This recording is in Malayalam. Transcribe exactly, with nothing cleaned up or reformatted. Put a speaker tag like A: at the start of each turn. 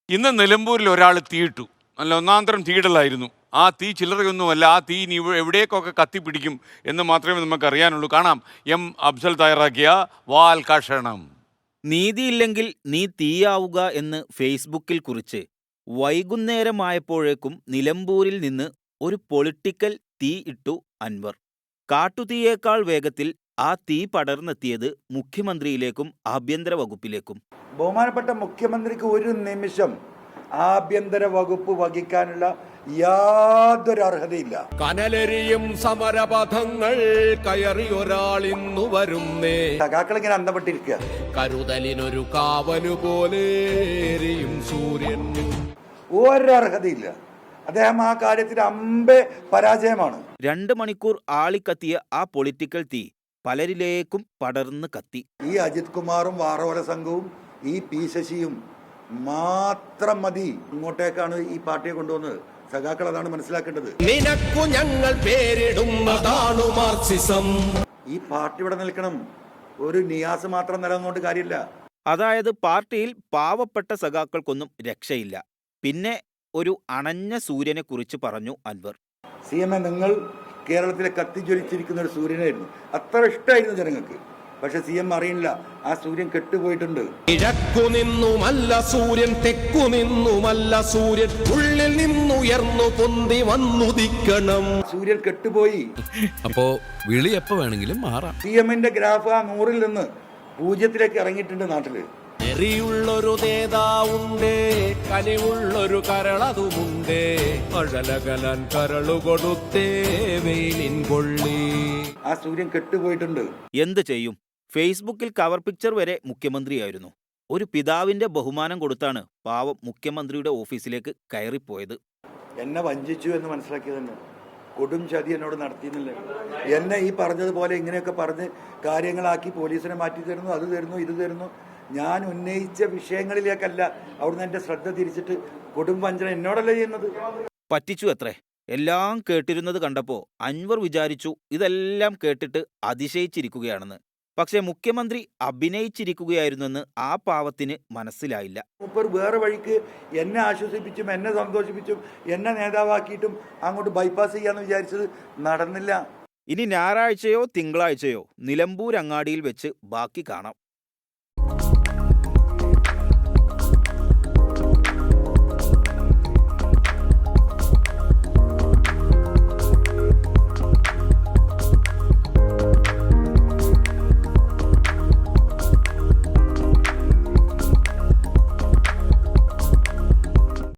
A: ഇന്ന് നിലമ്പൂരിൽ ഒരാൾ തീയിട്ടു. നല്ല ഒന്നാന്തരം തീയിടലായിരുന്നു. ആ തീ ചില്ലറയൊന്നുമല്ല. ആ തീ ഇനി എവിടേക്കൊക്കെ കത്തിപ്പിടിക്കും എന്ന് മാത്രമേ നമുക്ക് അറിയാനുള്ളൂ. കാണാം എം അഫ്സൽ തയ്യാറാക്കിയ വാൽ കഷണം.
B: നീതിയില്ലെങ്കിൽ നീ തീയാവുക എന്ന് ഫേസ്ബുക്കിൽ കുറിച്ച് വൈകുന്നേരമായപ്പോഴേക്കും നിലമ്പൂരിൽ നിന്ന് ഒരു പൊളിറ്റിക്കൽ തീ ഇട്ടു അൻവർ. കാട്ടുതീയേക്കാൾ വേഗത്തിൽ ആ തീ പടർന്നെത്തിയത് മുഖ്യമന്ത്രിയിലേക്കും ആഭ്യന്തര വകുപ്പിലേക്കും.
C: ബഹുമാനപ്പെട്ട മുഖ്യമന്ത്രിക്ക് ഒരു നിമിഷം ആഭ്യന്തര വകുപ്പ് വഹിക്കാനുള്ള യാതൊരു അർഹതയില്ല.
D: കനലെരിയും സമരപഥങ്ങൾ കയറി ഒരാൾ ഇന്നു വരുന്നേ.
C: സഖാക്കൾ ഇങ്ങനെ അന്തപ്പെട്ടിരിക്കുക.
D: കരുതലിനൊരു കാവലു പോലെ എരിയും സൂര്യൻ.
C: ഒരർഹതയില്ല. അദ്ദേഹം ആ കാര്യത്തിൽ അമ്പെ പരാജയമാണ്.
B: രണ്ട് മണിക്കൂർ ആളിക്കത്തിയ ആ പൊളിറ്റിക്കൽ തീ പലരിലേക്കും പടർന്ന് കത്തി.
C: ഈ അജിത് കുമാറും വാറോല സംഘവും ഈ പി ശശിയും മാത്രം മതി ഇങ്ങോട്ടേക്കാണ് ഈ പാർട്ടിയെ കൊണ്ടുവന്നത്. സഖാക്കൾ അതാണ് മനസ്സിലാക്കേണ്ടത്.
D: നിനക്കു ഞങ്ങൾ പേരിടുന്നതാണു മാർക്സിസം.
C: ഈ പാർട്ടി ഇവിടെ നിൽക്കണം. ഒരു നിയാസ് മാത്രം നിലനിന്നുകൊണ്ട് കാര്യമില്ല.
B: അതായത് പാർട്ടിയിൽ പാവപ്പെട്ട സഖാക്കൾക്കൊന്നും രക്ഷയില്ല. പിന്നെ ഒരു അണഞ്ഞ സൂര്യനെ കുറിച്ച് പറഞ്ഞു അൻവർ.
C: സി എം എ നിങ്ങൾ കേരളത്തിലെ കത്തിജ്വലിച്ചിരിക്കുന്ന ഒരു സൂര്യനായിരുന്നു. അത്ര ഇഷ്ടമായിരുന്നു ജനങ്ങൾക്ക്. പക്ഷെ സി എം അറിയില്ല, ആ സൂര്യൻ കെട്ടുപോയിട്ടുണ്ട്.
D: കിഴക്കു നിന്നുമല്ല സൂര്യൻ, തെക്കു നിന്നുമല്ല സൂര്യൻ, ഉള്ളിൽ നിന്നുയർന്നു പൊന്തി വന്നുദിക്കണം.
C: സൂര്യൻ കെട്ടുപോയി.
E: അപ്പോ വിളി എപ്പോ വേണമെങ്കിലും മാറാം.
C: സി എമ്മിന്റെ ഗ്രാഫ് ആ നൂറിൽ നിന്ന് പൂജ്യത്തിലേക്ക് ഇറങ്ങിയിട്ടുണ്ട് നാട്ടില്.
D: എറിയുള്ളൊരു നേതാവുണ്ടേ, കനിവുള്ളൊരു കരളതുമുണ്ടേ, അഴലകലാൻ കരളു കൊടുത്തേ വെയിലിൻ കൊള്ളി.
C: ആ സൂര്യൻ കെട്ടുപോയിട്ടുണ്ട്.
B: എന്ത് ചെയ്യും? ഫേസ്ബുക്കിൽ കവർ പിക്ചർ വരെ മുഖ്യമന്ത്രിയായിരുന്നു. ഒരു പിതാവിന്റെ ബഹുമാനം കൊടുത്താണ് പാവം മുഖ്യമന്ത്രിയുടെ ഓഫീസിലേക്ക് കയറിപ്പോയത്.
C: എന്നെ വഞ്ചിച്ചു എന്ന് മനസ്സിലാക്കിയതന്നെ. കൊടും ചതി എന്നോട് നടത്തിയെന്നില്ല. എന്നെ ഈ പറഞ്ഞതുപോലെ ഇങ്ങനെയൊക്കെ പറഞ്ഞ് കാര്യങ്ങളാക്കി പോലീസിനെ മാറ്റി തരുന്നു, അത് തരുന്നു, ഇത് തരുന്നു. ഞാൻ ഉന്നയിച്ച വിഷയങ്ങളിലേക്കല്ല അവിടുന്ന് എൻ്റെ ശ്രദ്ധ തിരിച്ചിട്ട് കൊടും വഞ്ചന എന്നോടല്ല ചെയ്യുന്നത്.
B: പറ്റിച്ചു അത്രേ. എല്ലാം കേട്ടിരുന്നത് കണ്ടപ്പോൾ അൻവർ വിചാരിച്ചു ഇതെല്ലാം കേട്ടിട്ട് അതിശയിച്ചിരിക്കുകയാണെന്ന്. പക്ഷേ മുഖ്യമന്ത്രി അഭിനയിച്ചിരിക്കുകയായിരുന്നെന്ന് ആ പാവത്തിന് മനസ്സിലായില്ല.
C: മൂപ്പർ വേറെ വഴിക്ക് എന്നെ ആശ്വസിപ്പിച്ചും എന്നെ സന്തോഷിപ്പിച്ചും എന്നെ നേതാവാക്കിയിട്ടും അങ്ങോട്ട് ബൈപ്പാസ് ചെയ്യാന്ന് വിചാരിച്ചത് നടന്നില്ല.
B: ഇനി ഞായറാഴ്ചയോ തിങ്കളാഴ്ചയോ നിലമ്പൂർ അങ്ങാടിയിൽ വെച്ച് ബാക്കി കാണാം.